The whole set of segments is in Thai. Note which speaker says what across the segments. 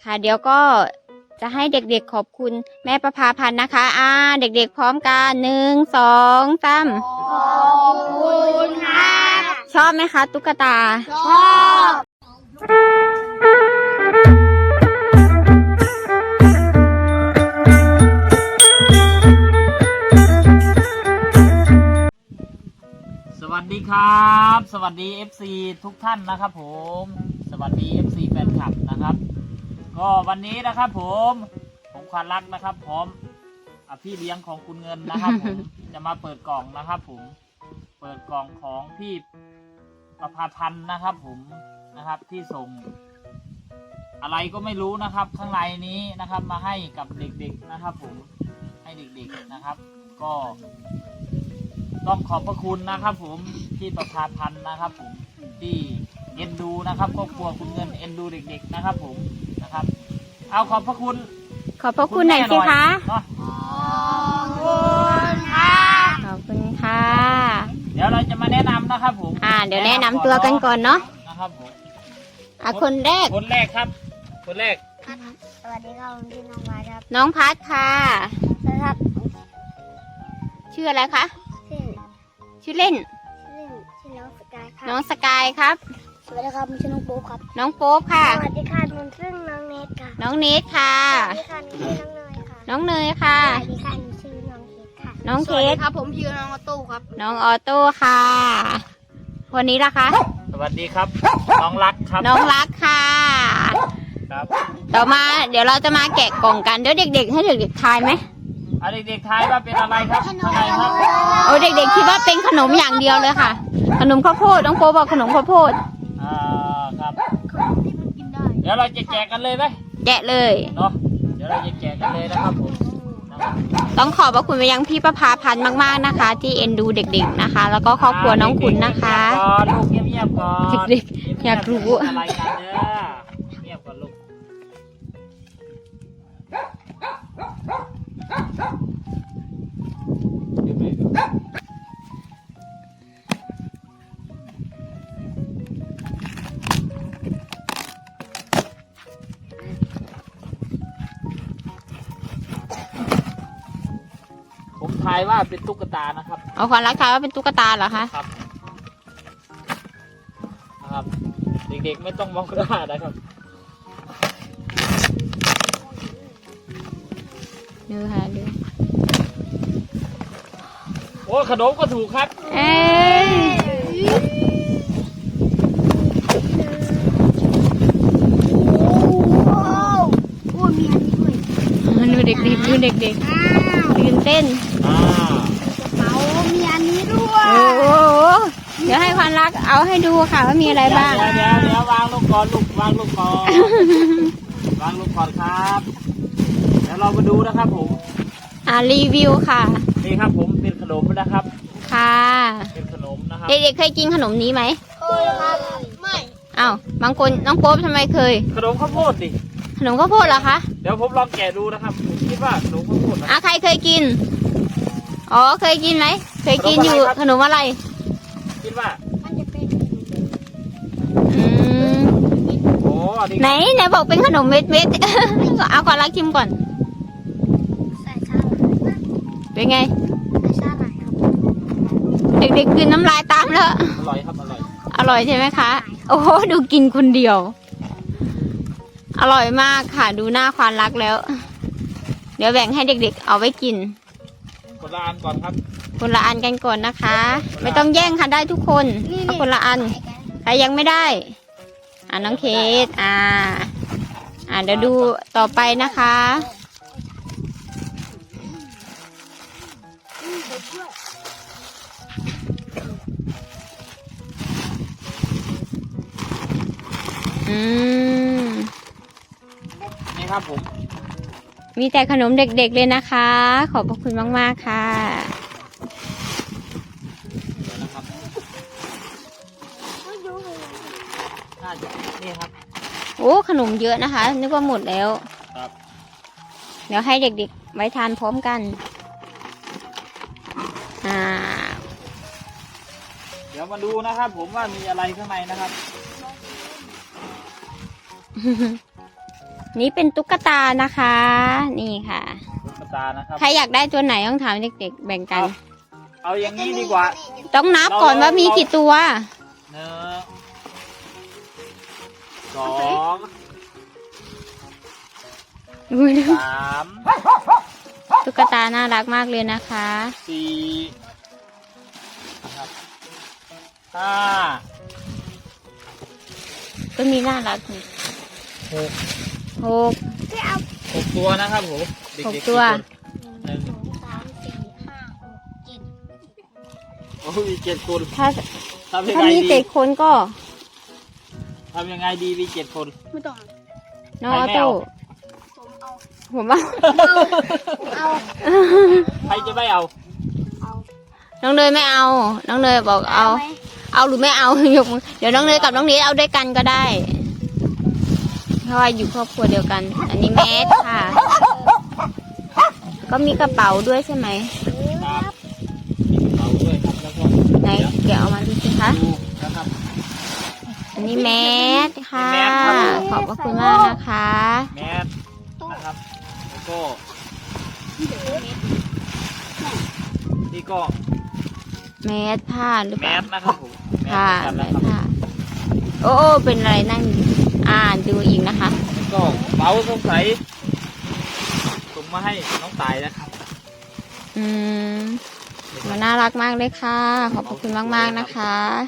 Speaker 1: ค่ะเดี๋ยวก็จะให้เด็กๆขอบคุณแม่ประภาพันธ์นะคะเด็กๆพร้อมกัน1 2 3
Speaker 2: ขอบคุณค่ะ
Speaker 1: ชอบไหมคะตุ๊กตา
Speaker 2: ชอบ
Speaker 3: สวัสดีครับสวัสดี FC ทุกท่านนะครับผมสวัสดี FC แฟนคลับนะครับก็วันนี้นะครับผมควานรักนะครับพร้อมพี่เลี้ยงของคุณเงินนะครับผม จะมาเปิดกล่องนะครับผมเปิดกล่องของพี่ประภาพันธ์นะครับผมนะครับที่ส่งอะไรก็ไม่รู้นะครับข้างในนี้นะครับมาให้กับเด็กๆนะครับผมให้เด็กๆนะครับก็ต้องขอบพระคุณนะครับผมที่ประภาพันธ์นะครับผมที่เอ็นดูนะครับครอบครัวคุณเงินเอ็นดูเด็กๆนะครับผมนะครับเอาขอบพระคุณ
Speaker 1: หน่อยสิคะ
Speaker 3: เนาะ
Speaker 2: ขอบคุณค่ะ
Speaker 1: ขอบคุณค่ะ
Speaker 3: เดี๋ยวเราจะมาแนะนำนะครับผม
Speaker 1: เดี๋ยวแนะนำตัวกันก่อนเนาะ
Speaker 3: นะครับผม
Speaker 1: คนแรก
Speaker 3: ครับคนแรก
Speaker 2: สวัสดีครับผมชื่อน้องมาครับ
Speaker 1: น้องพัดค่ะ
Speaker 2: นะครับ
Speaker 1: ชื่ออะไรคะ
Speaker 2: ชื่อ
Speaker 1: ชื่อเล่น
Speaker 2: ชื่อน้องสกายครับ
Speaker 1: น้องสกายครับ
Speaker 2: สวัสดีครับผมชื่อน้องโป๊ปครับ
Speaker 1: น้องโป๊ปค่ะ
Speaker 2: สวัสดีค่ะหนูชื่อน้องเนทค่ะ
Speaker 1: น้องเนทค่ะ
Speaker 2: สวัสดีค่ะหนูชื่อน้องเนยค่ะ
Speaker 1: น้องเนยค่ะ
Speaker 2: สวัสดีค่ะหนูชื่อน้องเคสค่ะ
Speaker 1: น้องเคส
Speaker 2: ครับผมชื่อน้องออโต้ครับ
Speaker 1: น้องออโต้ค่ะคนนี้ล่ะคะ
Speaker 3: สวัสดีครับน้องรักครับ
Speaker 1: น้องรักค่ะ
Speaker 3: ครับ
Speaker 1: ต่อมาเดี๋ยวเราจะมาแกะกล่องกันเดี๋ยวเด็กๆให้เด็กๆทายไหม
Speaker 3: เอาเด็กๆทายว่าเป็นอะไรครับข้างในครับ
Speaker 1: โอ้เด็กๆคิดว่าเป็นขนมอย่างเดียวเลยค่ะ ขนมข้าวโพดน้องโป๊ปบอกขนมข้าวโพด
Speaker 3: ครับ
Speaker 2: ที่มันกินได้
Speaker 3: เดี๋ยวเราจะแจกกันเลยไหม
Speaker 1: แกะเลย
Speaker 3: เนาะเดี๋ยวเราจะแจกกันเลยนะครับผมนะครับ
Speaker 1: ต้องขอบพระคุณไปยังพี่ประภาพันธ์มากๆนะคะ ที่เอ็นดูเด็กๆนะคะ แล้วก็ครอบครัวน้องคุณนะคะ
Speaker 3: ลูกเงียบๆก่อน
Speaker 1: เด็กๆอยากรู้
Speaker 3: อะไรกันเด้อเงียบก่อนลูกผมทายว่าเป็นตุ๊กตานะครับ
Speaker 1: เอาความรักทายว่าเป็นตุ๊กตาเหรอคะ
Speaker 3: ครับนะครับ เด็กๆไม่ต้องมองหน้านะครับ
Speaker 1: ดูค่ะดู
Speaker 3: โอ้ขนมก็ถูกครับ
Speaker 1: เอ้ยดูเด็กๆดูเด็กๆตื่นเต้น
Speaker 2: เป๋ามีอันนี้ด้วย
Speaker 1: โอ้โหเดี๋ยวให้ความรักเอาให้ดูค่ะว่ามีอะไรบ้าง
Speaker 3: เดี๋ยววางลูกก่อนลูกวางลูกก่อน วางลูกก่อนครับ เดี๋ยวเรามาดูนะครับผม
Speaker 1: รีวิวค่ะ
Speaker 3: นี่ครับผมเป็นขนมนะครับ
Speaker 1: ค่ะ
Speaker 3: เป็นขนมนะครับ
Speaker 1: เด็กๆเคยกินขนมนี้ไหม
Speaker 2: เคยครับไม่
Speaker 1: อ้าวบางคนน้องโป๊ปทำไมเคย
Speaker 3: ขนมข้าวโพดดิ
Speaker 1: ขนมข้าวโพดเหรอคะ
Speaker 3: เดี๋ยวผมลองแกะดูนะครับผมคิดว่าขนมข้าวโพดนะ
Speaker 1: ใครเคยกินอ๋อเคยกินไหมเคยกินอยู่ขนมอะไร
Speaker 3: คิดว่า
Speaker 2: มันจะเป็น
Speaker 1: อืม
Speaker 3: โอ้ดี
Speaker 1: ไหนบอกเป็นขนมเม็ด เอาก่อนรักชิมก่อน
Speaker 2: ใส่ชาหร่าย
Speaker 1: เป็นไง
Speaker 2: ใส่ชาหร่ายครับ
Speaker 1: เด็กๆกินน้ำลายตามแล้ว
Speaker 3: อร่อยครับอร่อย
Speaker 1: อร่อยใช่ไหมคะ โอ้โหดูกินคนเดียว อร่อยมากค่ะ ดูหน้าควานรักแล้ว เดี๋ยวแบ่งให้เด็กๆเอาไว้กิน
Speaker 3: คนละอันก่อนครับ
Speaker 1: คนละอันกันก่อนนะคะ ไม่ต้องแย่งค่ะได้ทุกคนเอาคนละอันใครยังไม่ได้น้องเคสเดี๋ยวดูต่อไปนะคะ
Speaker 3: นี่ครับผม
Speaker 1: มีแต่ขนมเด็กๆเลยนะคะ ขอบพระคุณมากๆค่ะ
Speaker 3: เดี๋ยวนะครับน่าจะนี่ครับ
Speaker 1: โอ้ขนมเยอะนะคะ นึกว่าหมดแล้ว
Speaker 3: ครับ
Speaker 1: เดี๋ยวให้เด็กๆไว้ทานพร้อมกัน
Speaker 3: เดี๋ยวมาดูนะครับผมว่ามีอะไรข้างในนะครับ
Speaker 1: นี่เป็นตุ๊กตานะคะ นี่ค่ะ
Speaker 3: ตุ๊กตานะครับ
Speaker 1: ใครอยากได้ตัวไหนต้องถามเด็กๆแบ่งกัน
Speaker 3: เอาอย่างนี้ดีกว่า
Speaker 1: ต้องนับก่อนว่ามีกี่ตัว
Speaker 3: 1 2
Speaker 1: อุ๊ย
Speaker 3: 3
Speaker 1: ตุ๊กตาน่ารักมากเลยนะคะ
Speaker 3: 4นะครับ 5
Speaker 1: ก็มีน่ารักนี่
Speaker 3: 6
Speaker 1: หก
Speaker 3: 6 ตัวนะครับผมเด็ก
Speaker 1: หก
Speaker 3: ๆ
Speaker 1: ตัว
Speaker 3: หนึ่ง
Speaker 2: 2 3 4 5 6 7
Speaker 3: โอ้ย7 คน
Speaker 1: ถ้า
Speaker 3: ทำยัง
Speaker 1: ถ้า
Speaker 3: ไง
Speaker 1: มี
Speaker 3: ดี
Speaker 1: 7 คนก็
Speaker 3: ทำยังไงดีมี7 คน
Speaker 2: ไม่ต้อง
Speaker 1: น้องออโต้
Speaker 2: ผมเอา
Speaker 1: ผมว่า
Speaker 2: เอา
Speaker 3: ใครจะไม่เอา
Speaker 2: เอา
Speaker 1: น้องเนยไม่เอา น้องเนยบอกเอา
Speaker 2: ไหม
Speaker 1: เอาหรือไม่เอา ยกมือเดี๋ยวน้องเนยกับน้องเนยเอาด้วยกันก็ได้ เพราะว่าอยู่ครอบครัวเดียวกัน อันนี้แมสค่ะ ก็มีกระเป๋าด้วยใช่ไหม
Speaker 3: ครับมีกระเป๋าด้วยครับแล้วก็
Speaker 1: ไหนเดี๋ยวเอามาดูสิคะ
Speaker 3: ดูนะครับ
Speaker 1: อันนี้แมสค่ะ
Speaker 3: แมสครับ
Speaker 1: ขอบพระคุณมากนะคะ
Speaker 3: แมสนะครับแล้วก็นี่ก็
Speaker 1: แมสผ้าหรือ
Speaker 3: แม
Speaker 1: เปล่า
Speaker 3: สนะครับผมแม
Speaker 1: ค่ะ
Speaker 3: ส
Speaker 1: แม
Speaker 3: เหมือน
Speaker 1: ส
Speaker 3: กันนะครับ
Speaker 1: ผ้าโอ้โอ้เป็นอะไรนั่งอ่านดูอีกนะคะ
Speaker 3: แล้วก็เป๋าสงสัยส่งมาให้น้องตายนะครับ
Speaker 1: อืมมันน่ารักมากเลยค่ะ ขอบพระคุณมากๆนะคะ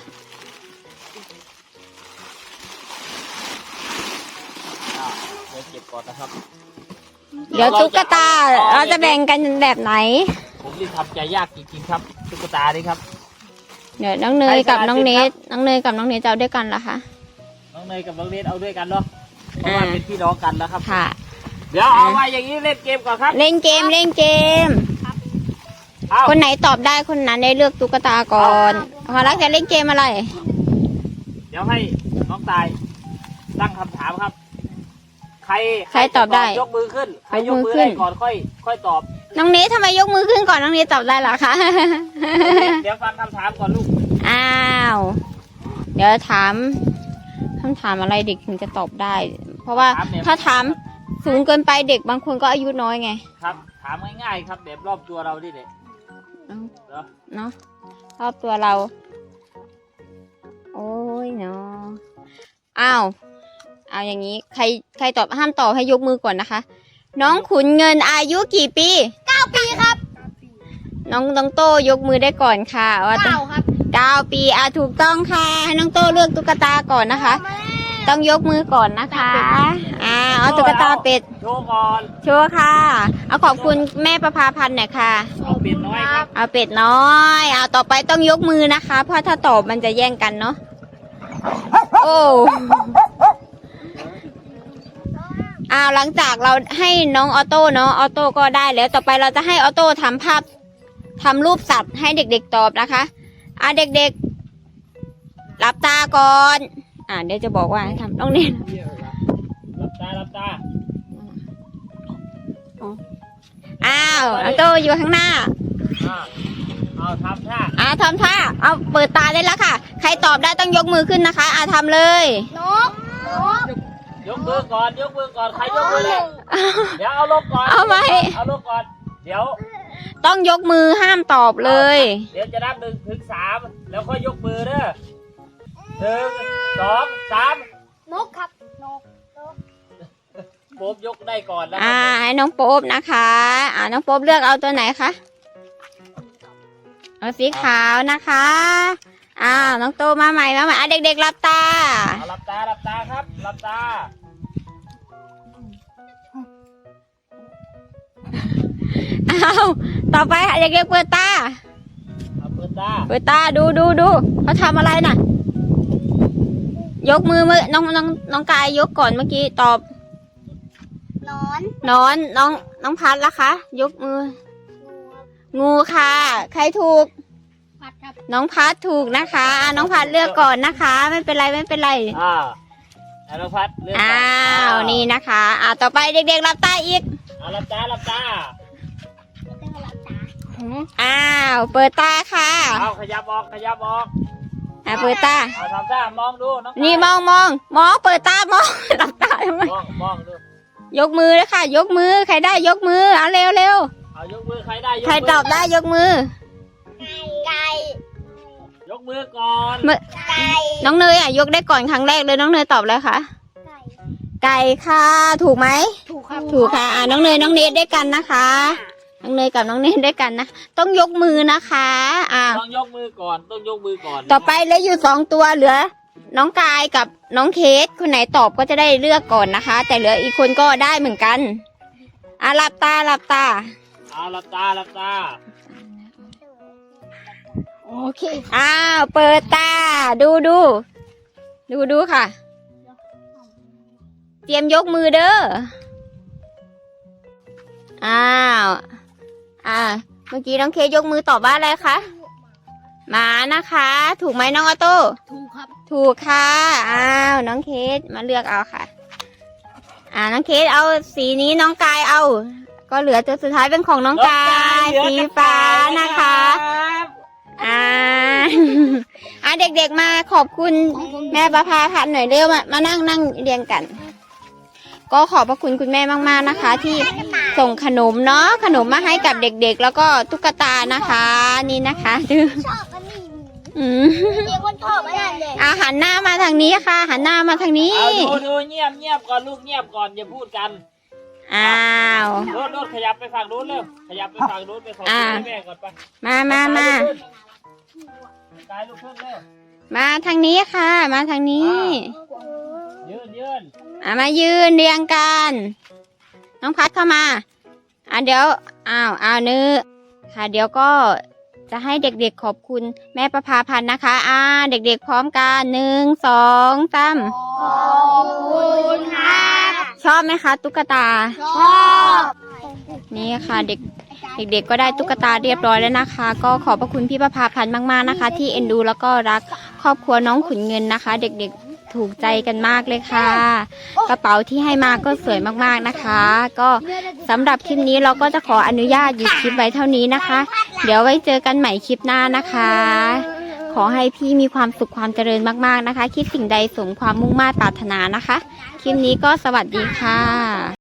Speaker 3: เดี๋ยวเก็บก่อนนะครับ
Speaker 1: เดี๋ยวตุ๊กตาเราจะแบ่งกันแบบไหน
Speaker 3: ผมนี่ทำใจยากจริงๆครับตุ๊กตานี่ครับ
Speaker 1: เดี๋ยวน้องเนยกับน้องเนทน้องเนยกับน้องเนทจะเอาด้วยกันเหรอคะ
Speaker 3: น้องเนยกับน้องเนทเอาด้วยกันเนาะเพราะว่าเป็นพี่น้องกันแล้วครับ
Speaker 1: ค่ะ
Speaker 3: เดี๋ยวเอามาอย่างนี้เล่นเกมก่อนครับ
Speaker 1: เล่นเกมเล่นเกม
Speaker 3: เอา
Speaker 1: คนไหนตอบได้คนนั้นได้เลือกตุ๊กตาก่อนพอรักจะเล่นเกมอะไร
Speaker 3: เดี๋ยวให้น้องตายตั้งคำถามครับ ใคร
Speaker 1: ใครตอบได้
Speaker 3: ยกมือขึ้นใครย
Speaker 1: ย
Speaker 3: ก
Speaker 1: กมื
Speaker 3: มื
Speaker 1: อ
Speaker 3: อ
Speaker 1: ขึ้
Speaker 3: ได้
Speaker 1: น
Speaker 3: ก่อนค่อยตอบ
Speaker 1: น้องเนททำไมยกมือขึ้นก่อนน้องเนทตอบได้เหรอคะ
Speaker 3: เดี๋ยวฟังคำถามก่อนลูก
Speaker 1: อ้าว เดี๋ยวถามคำถามอะไรเด็กถึงจะตอบได้ เพราะว่าถ้าถามสูงเกินไปเด็กบางคนก็อายุน้อยไง
Speaker 3: ครับ ถามง่ายๆครับแบบรอบตัวเราดิเด็ก
Speaker 1: เอา
Speaker 3: เหรอ
Speaker 1: เนาะรอบตัวเรา โอ้ยเนาะอ้าวเอาอย่างนี้ใครตอบห้ามตอบให้ยกมือก่อนนะคะ น้องขุนเงินอายุกี่ปี9 ปีครับ น้องโตยกมือได้ก่อนค่ะว่าต้อง
Speaker 2: 9ครับ
Speaker 1: 9 ปีถูกต้องค่ะให้น้องโตเลือกตุ๊กตาก่อนนะคะ ต้องยกมือก่อนนะคะเอาตุ๊กตาเป็ด
Speaker 3: โชว์ก่อน
Speaker 1: โชว์ค่ะ เอาขอบคุณแม่ประภาพันธ์หน่อยค่ะ
Speaker 3: เอาเป็ดน้อยครับ
Speaker 1: เอาเป็ดน้อยเอาต่อไปต้องยกมือนะคะ เพราะถ้าตอบมันจะแย่งกันเนาะ โอ้หลังจากเราให้น้องออโต้เนาะออโต้ก็ได้แล้ว ต่อไปเราจะให้ออโต้ทำภาพทำรูปสัตว์ให้เด็กๆตอบนะคะเด็กๆหลับตาก่อนเดี๋ยวจะบอกว่าให้ทำน้องเน้น
Speaker 3: หลับตาหลับตา
Speaker 1: ออโต้อยู่ข้างหน้า
Speaker 3: เอาทำท่า
Speaker 1: ทำท่าเอาเปิดตาได้แล้วค่ะ ใครตอบได้ต้องยกมือขึ้นนะคะทำเลย
Speaker 2: นก
Speaker 3: ยกมือก่อนยกมือก่อนใครยกมือเลยเดี๋ยวเอาลงก่อน
Speaker 1: เอาไว้
Speaker 3: เอาลงก่อนเดี๋ยว
Speaker 1: ต้องยกมือห้ามตอบเลย
Speaker 3: เดี๋ยวจะนับ1 ถึง 3แล้วค่อยยกมือเด้อ1 2 3
Speaker 2: นกครับนก
Speaker 3: โป๊บยกได้ก่อนนะ
Speaker 1: ให้น้องโป๊บนะคะน้องโป๊บเลือกเอาตัวไหนคะเอาสีขาวนะคะน้องโตมาใหม่เด็กๆหลับตา
Speaker 3: เอาหลับตาหลับตาครับหลับตา
Speaker 1: ต่อไปเด็กๆเปิดตา
Speaker 3: เอาเปิดตา
Speaker 1: เปิดตาดูเขาทำอะไรน่ะ ยกมือน้องกายยกก่อนเมื่อกี้ตอบ
Speaker 2: นอน
Speaker 1: น้องพัดละคะ ยกมือ งูค่ะ ใครถูก
Speaker 2: พัดครับ
Speaker 1: น้องพัดถูกนะคะน้องพัดเลือกก่อนนะคะ ไม่เป็นไร
Speaker 3: อนุพัฒน์เลือกก่อน
Speaker 1: นี่นะคะต่อไปเด็กๆหลับตาอีก
Speaker 3: เอาหลับตาหลับตา
Speaker 1: เปิดตาค่ะ
Speaker 3: เอาขยับออกขยับออก
Speaker 1: เปิดตา
Speaker 3: เอาทำท่ามองดูน้อง
Speaker 1: นี่มองเปิดตามอง หลับตาทำไม
Speaker 3: มองดู
Speaker 1: ยกมือเลยค่ะ ยกมือใครได้ยกมือเอาเร็วเร็ว
Speaker 3: เอายกมือใครได้ยก
Speaker 1: ใคร
Speaker 3: มื
Speaker 1: ตอบได้ยกมือ
Speaker 2: ไก่
Speaker 3: ยกมือก่อน
Speaker 2: ไก่
Speaker 1: น้องเนยอ่ะยกได้ก่อนครั้งแรกเลยน้องเนยตอบเลยค่ะ ไก่ค่ะถูกไหม
Speaker 2: ถูกครับ
Speaker 1: ถูกค่ะน้องเนยน้องเนทด้วยกันนะคะน้องเนยกับน้องเนทด้วยกันนะต้องยกมือนะคะ
Speaker 3: ต้องยกมือก่อนต้องยกมือก่อน
Speaker 1: ต่อไปเหลืออยู่2 ตัวเหลือ น้องกายกับน้องเคสคนไหนตอบก็จะได้เลือกก่อนนะคะ แต่เหลืออีกคนก็ได้เหมือนกันหลับตาหลับตา
Speaker 3: เอาหลับตาหลับตา
Speaker 2: โอเค
Speaker 1: เปิดตาดูค่ะ เตรียมยกมือเด้อเมื่อกี้น้องเคสยกมือตอบว่าอะไรคะหมานะคะ ถูกไหมน้องออโต้
Speaker 2: ถูกครับ
Speaker 1: ถูกค่ะน้องเคสมาเลือกเอาค่ะน้องเคสเอาสีนี้น้องกายเอา ก็เหลือตัวสุดท้ายเป็นของน้องกายสีฟ้านะคะเด็กๆมาขอบคุณแม่ประภาพันธ์หน่อยเร็วมานั่งเรียงกัน ก็ขอบพระคุณคุณแม่มากๆนะคะ ที่ส่งขนมเนาะขนมมาให้กับเด็กๆ แล้วก็ตุ๊กตานะคะนี่นะคะดู
Speaker 2: ชอบอันนี้
Speaker 1: ม
Speaker 2: เด็กคนชอบอันนั้นเลย
Speaker 1: หันหน้ามาทางนี้ค่ะ หันหน้ามาทางนี้
Speaker 3: เอาดูเงียบก่อนลูกเงียบก่อนอย่าพูดกัน
Speaker 1: โ
Speaker 3: ดขยับไปฝั่งนู้นเร็วขยับไปฝั่งนู้นไปขอแม่ก่อนไป
Speaker 1: มา
Speaker 3: กายลูกขึ้นเร็ว
Speaker 1: มาทางนี้ค่ะ มาทางนี้
Speaker 3: ยืน
Speaker 1: มายืนเรียงกัน น้องพัดเข้ามาเดี๋ยวเนื้อค่ะ เดี๋ยวก็จะให้เด็กๆขอบคุณแม่ประภาพันธ์นะคะเด็กๆพร้อมกัน1 2 3
Speaker 2: ขอบคุณค่ะ
Speaker 1: ชอบไหมคะตุ๊กตา
Speaker 2: ชอบ
Speaker 1: นี่ค่ะเด็กๆก็ได้ตุ๊กตาเรียบร้อยแล้วนะคะ ก็ขอบพระคุณพี่ประภาพันธ์มากๆนะคะ ที่เอ็นดูแล้วก็รักครอบครัวน้องขุนเงินนะคะ เด็กๆถูกใจกันมากเลยค่ะ กระเป๋าที่ให้มาก็สวยมากๆนะคะ ก็สำหรับคลิปนี้เราก็จะขออนุญาตหยุดคลิปไว้เท่านี้นะคะ เดี๋ยวไว้เจอกันใหม่คลิปหน้านะคะ ขอให้พี่มีความสุขความเจริญมากๆนะคะ คิดสิ่งใดสมความมุ่งมา่ปรารถนานะคะ คลิปนี้ก็สวัสดีค่ะ